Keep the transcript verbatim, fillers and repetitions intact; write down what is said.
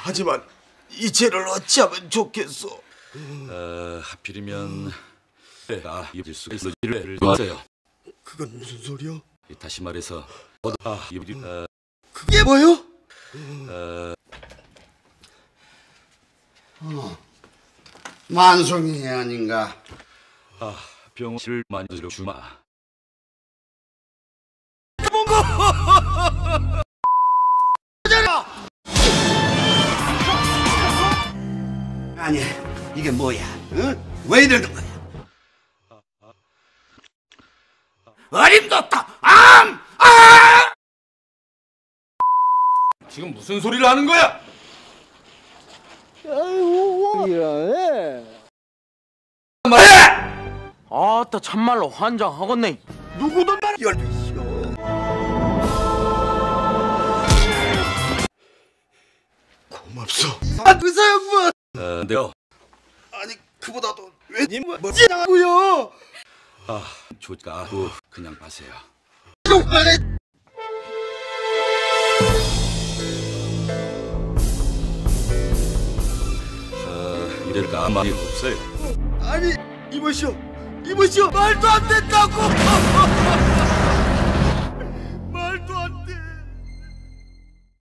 하지만 이 죄를 어찌하면 좋겠소? 어, 하필이면 내가 입을 수가 있어 일을 놨어요. 그건 무슨 소리야? 다시 말해서 아, 입이 어, 그게 뭐요? 어, 어, 만송이 아닌가? 아, 병실을 만들어 주마. 아니, 이게 뭐야? 응? 왜 이러는 거야? 어림도 없다! 암! 아! 지금 무슨 소리를 하는 거야? 아이고 이러네. 아따 참말로 환장하겠네. 누구든 말 열두시오. 고맙소. 아, 의사 양반. 어, 내가 아니 그보다도 왜님은 뭐지나고요? 아, 조가 그 그냥 가세요. 어, 이럴 가만히 없어요. 아니 이보시오, 이보시오, 말도 안 된다고.